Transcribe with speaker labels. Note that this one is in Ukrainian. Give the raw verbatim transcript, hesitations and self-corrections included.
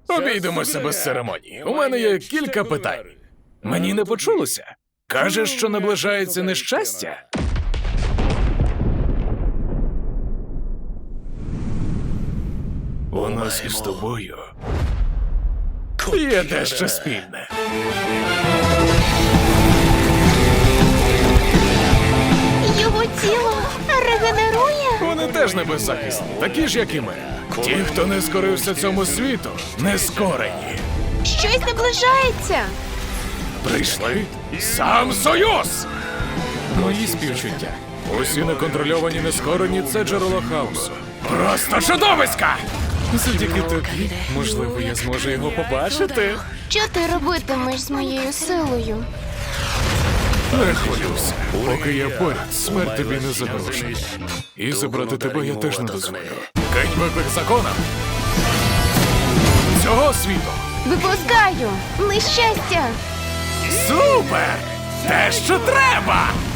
Speaker 1: Обійдемося без церемонії. У мене є кілька питань. Мені не почулося. Кажеш, що наближається нещастя? У нас із тобою є дещо спільне.
Speaker 2: Його тіло регенерує?
Speaker 1: Вони теж не беззахисні, такі ж, як і ми. Ті, хто не скорився цьому світу, не скорені.
Speaker 2: Щось наближається.
Speaker 1: Прийшли сам Союз! Мої співчуття. Усі неконтрольовані нескорені – це джерело хаосу. Просто чудовиська! Завдяки тобі, можливо, я зможу його побачити.
Speaker 2: Що ти робитимеш з моєю силою?
Speaker 1: Не хвилюйся. Поки я поряд, смерть тобі не загрожує. І забрати тебе я теж не дозволю. Кинь виклик законам цього світу.
Speaker 2: Випускаю! Нещастя!
Speaker 1: Супер! Те, що треба!